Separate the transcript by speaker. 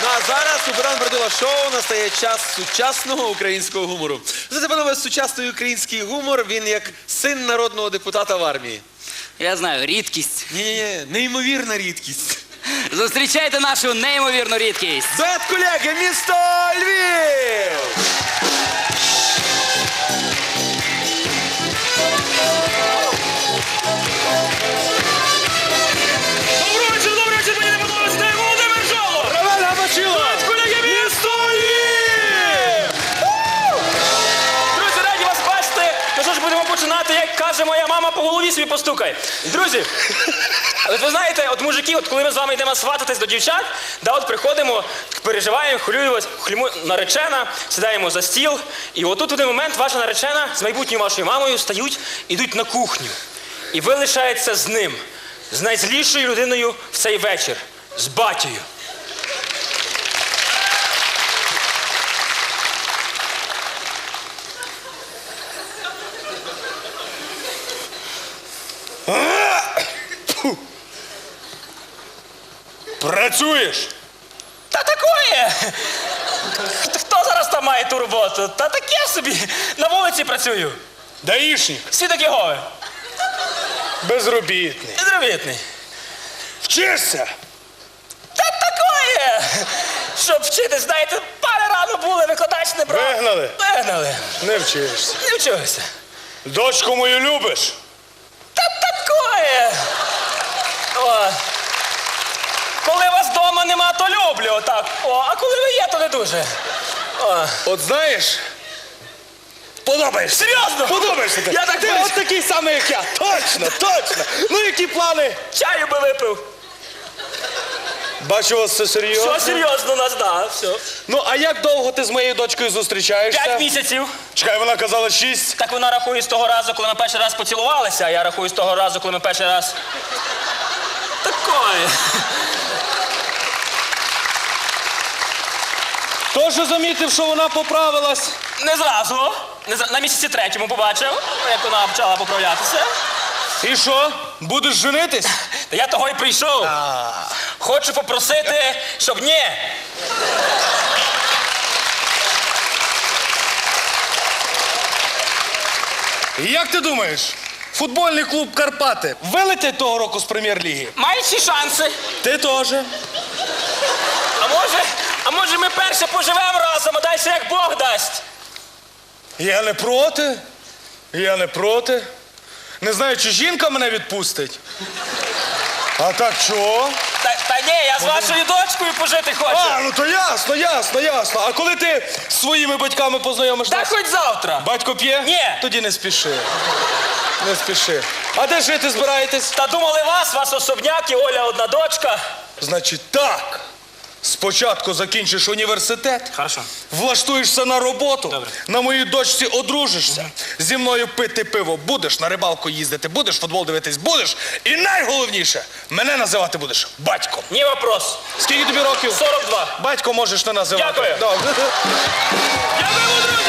Speaker 1: Ну а зараз у Богдана Бродила шоу настає час сучасного українського гумору. Знаєте, панове, сучасний український гумор, він як син народного депутата в армії.
Speaker 2: Я знаю, рідкість.
Speaker 1: Ні-ні-ні, неймовірна рідкість.
Speaker 2: Зустрічайте нашу неймовірну рідкість.
Speaker 1: Дует колеги, місто Львів!
Speaker 3: Добрий вечір, мені не подобається, це Володимир Жолоб!
Speaker 1: Роман Габачило!
Speaker 3: Дует колеги, місто Львів! Друзі, раді вас бачити. Ну що ж, будемо починати, як каже моя мама, по голові собі постукай. Друзі, от ви знаєте, от мужики, от коли ми з вами йдемо свататись до дівчат, да, от приходимо, переживаємо, хвилюємось, наречена, сідаємо за стіл, і отут в один момент ваша наречена з майбутньою вашою мамою стають, ідуть на кухню. І ви лишаєтеся з ним, з найзлішою людиною в цей вечір, з батькою.
Speaker 4: Працюєш?
Speaker 3: Та такое! Хто зараз там має ту роботу? Та таке собі, на вулиці працюю.
Speaker 4: Даїшник?
Speaker 3: Свідок Єгови.
Speaker 4: Безробітний.
Speaker 3: Підробітний.
Speaker 4: Вчишся?
Speaker 3: Та такое! Щоб вчитись, знаєте, пари рано були, викладач не брав.
Speaker 4: Вигнали?
Speaker 3: Вигнали.
Speaker 4: Не вчишся.
Speaker 3: Не вчився.
Speaker 4: Дочку мою любиш?
Speaker 3: Та такое! О. Коли вас вдома нема, то люблю, отак. О, а коли ви є, то не дуже. О.
Speaker 4: От знаєш, подобаєшся.
Speaker 3: Серйозно?
Speaker 4: Подобаєшся ти.
Speaker 3: Я так
Speaker 4: Ти
Speaker 3: бачу.
Speaker 4: от такий самий, як я. Точно, точно. Ну, які плани?
Speaker 3: Чаю би випив.
Speaker 4: Бачу, у вас все серйозно.
Speaker 3: Все серйозно у нас, да, все.
Speaker 4: Ну, а як довго ти з моєю дочкою зустрічаєшся?
Speaker 3: 5 місяців.
Speaker 4: Чекай, вона казала 6.
Speaker 3: Так вона рахує з того разу, коли ми перший раз поцілувалися, а я рахую з того разу, коли ми перший раз... Такое.
Speaker 4: Тож замітив, що вона поправилась.
Speaker 3: Не зразу. На місяці 3-му побачив, як вона почала поправлятися.
Speaker 4: І що? Будеш женитись?
Speaker 3: Та я того й прийшов. Хочу попросити, щоб ні.
Speaker 4: І як ти думаєш, футбольний клуб «Карпати» вилетять того року з прем'єр-ліги?
Speaker 3: Мають всі шанси.
Speaker 4: Ти теж.
Speaker 3: А може ми перше поживемо разом, а далі як Бог дасть.
Speaker 4: Я не проти. Я не проти. Не знаю, чи жінка мене відпустить. А так чого?
Speaker 3: Та ні, я з вашою дочкою пожити хочу.
Speaker 4: А, ну то ясно, ясно, ясно. А коли ти з своїми батьками познайомишся?
Speaker 3: Та хоч завтра.
Speaker 4: Батько п'є?
Speaker 3: Ні.
Speaker 4: Тоді не спіши. Не спіши. А де жити збираєтесь?
Speaker 3: Та думали вас особняк і Оля одна дочка.
Speaker 4: Значить так. Спочатку закінчиш університет,
Speaker 3: Хорошо.
Speaker 4: влаштуєшся на роботу,
Speaker 3: Добре.
Speaker 4: на моїй дочці одружишся, зі мною пити пиво будеш, на рибалку їздити будеш, футбол дивитись будеш. І найголовніше, мене називати будеш батьком.
Speaker 3: Ні вопрос.
Speaker 4: Скільки тобі років?
Speaker 3: 42.
Speaker 4: Батько можеш не називати.
Speaker 3: Дякую.
Speaker 4: Добре.
Speaker 3: Дякую, друзі!